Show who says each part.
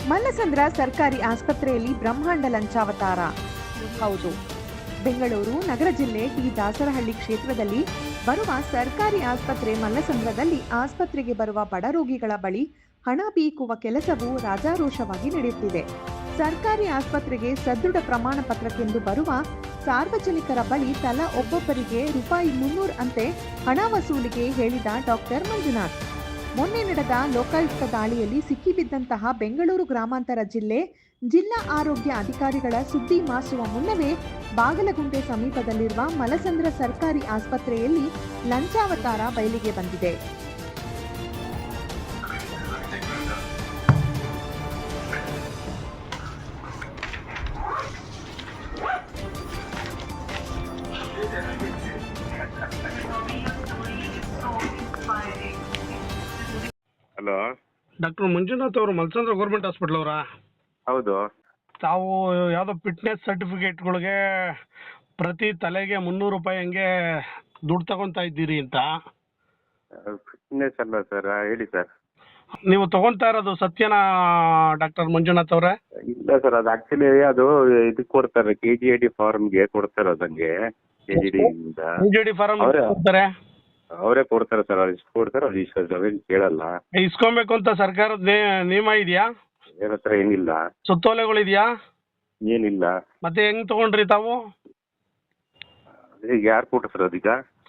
Speaker 1: ಮಲ್ಲಸಂದ್ರ ಸರ್ಕಾರಿ ಆಸ್ಪತ್ರೆಯಲ್ಲಿ ಬ್ರಹ್ಮಾಂಡ ಲಂಚಾವತಾರ. ಹೌದು, ಬೆಂಗಳೂರು ನಗರ ಜಿಲ್ಲೆ ಟಿ ದಾಸರಹಳ್ಳಿ ಕ್ಷೇತ್ರದಲ್ಲಿ ಬರುವ ಸರ್ಕಾರಿ ಆಸ್ಪತ್ರೆ ಮಲ್ಲಸಂದ್ರದಲ್ಲಿ ಆಸ್ಪತ್ರೆಗೆ ಬರುವ ಬಡ ರೋಗಿಗಳ ಬಳಿ ಹಣ ಬೀಕುವ ಕೆಲಸವು ರಾಜಾರೋಷವಾಗಿ ನಡೆಯುತ್ತಿದೆ. ಸರ್ಕಾರಿ ಆಸ್ಪತ್ರೆಗೆ ಸದೃಢ ಪ್ರಮಾಣ ಪತ್ರಕ್ಕೆಂದು ಬರುವ ಸಾರ್ವಜನಿಕರ ಬಳಿ ತಲಾ ಒಬ್ಬೊಬ್ಬರಿಗೆ ₹300 ಅಂತೆ ಹಣ ವಸೂಲಿಗೆ ಹೇಳಿದ ಡಾಕ್ಟರ್ ಮಂಜುನಾಥ್. ಮೊನ್ನೆ ನಡೆದ ಲೋಕಾಯುಕ್ತ ದಾಳಿಯಲ್ಲಿ ಸಿಕ್ಕಿಬಿದ್ದಂತಹ ಬೆಂಗಳೂರು ಗ್ರಾಮಾಂತರ ಜಿಲ್ಲಾ ಆರೋಗ್ಯ ಅಧಿಕಾರಿಗಳ ಸುದ್ದಿ ಮಾಸುವ ಮುನ್ನವೇ ಬಾಗಲಗುಂಟೆ ಸಮೀಪದಲ್ಲಿರುವ ಮಲಸಂದ್ರ ಸರ್ಕಾರಿ ಆಸ್ಪತ್ರೆಯಲ್ಲಿ ಲಂಚಾವತಾರ ಬಯಲಿಗೆ ಬಂದಿದೆ.
Speaker 2: ಹಲೋ,
Speaker 3: ಡಾಕ್ಟರ್ ಮಂಜುನಾಥ್ ಅವರು ಮಲ್ಸಂದ್ರ ಗೌರ್ಮೆಂಟ್ ಹಾಸ್ಪಿಟಲ್ ಅವರಾ?
Speaker 2: ಹೌದು.
Speaker 3: ತಾವು ಯಾವುದೋ ಫಿಟ್ನೆಸ್ ಸರ್ಟಿಫಿಕೇಟ್ಗಳಿಗೆ ಪ್ರತಿ ತಲೆಗೆ ₹300 ಹಂಗೆ ದುಡ್ಡು ತಗೊತಾ ಇದ್ದೀರಿ ಅಂತ.
Speaker 2: ಫಿಟ್ನೆಸ್ ಅಲ್ಲ ಸರ್, ಹೇಳಿ ಸರ್.
Speaker 3: ನೀವು ತಗೊಂತಾ ಇರೋದು ಸತ್ಯನಾ ಡಾಕ್ಟರ್ ಮಂಜುನಾಥ್ ಅವರೇ?
Speaker 2: ಇಲ್ಲ ಸರ್, ಅದು ಆಕ್ಚುಲಿ ಅದು ಇದಕ್ಕೆ ಕೊಡ್ತಾರೆ, KGID ಫಾರ್ಮ್ಗೆ ಕೊಡ್ತಾರೆ. ಅದಂಗೆ
Speaker 3: KGID ಫಾರಂ ಕೊಡ್ತಾರೆ,
Speaker 2: ಅವರೇ ಕೊಡ್ತಾರೆ ಸರ್. ಅವ್ರು ಇಷ್ಟು ಕೊಡ್ತಾರೆ, ಅವ್ರು ಇಷ್ಟು ಅವೇನು ಕೇಳಲ್ಲ.
Speaker 3: ಇಸ್ಕೊಬೇಕು ಅಂತ ಸರ್ಕಾರದ ನಿಯಮ ಇದೆಯಾ?
Speaker 2: ಏನ್ ಹತ್ರ ಏನಿಲ್ಲ,
Speaker 3: ಸುತ್ತೋಲೆಗಳಿದೆಯಾ?
Speaker 2: ಏನಿಲ್ಲ.
Speaker 3: ಮತ್ತೆ ಹೆಂಗ್ ತಗೊಂಡ್ರಿ ತಾವು?
Speaker 2: ಯಾರು ಕೊಟ್ರು ಸರ್ ಅದೀಗ?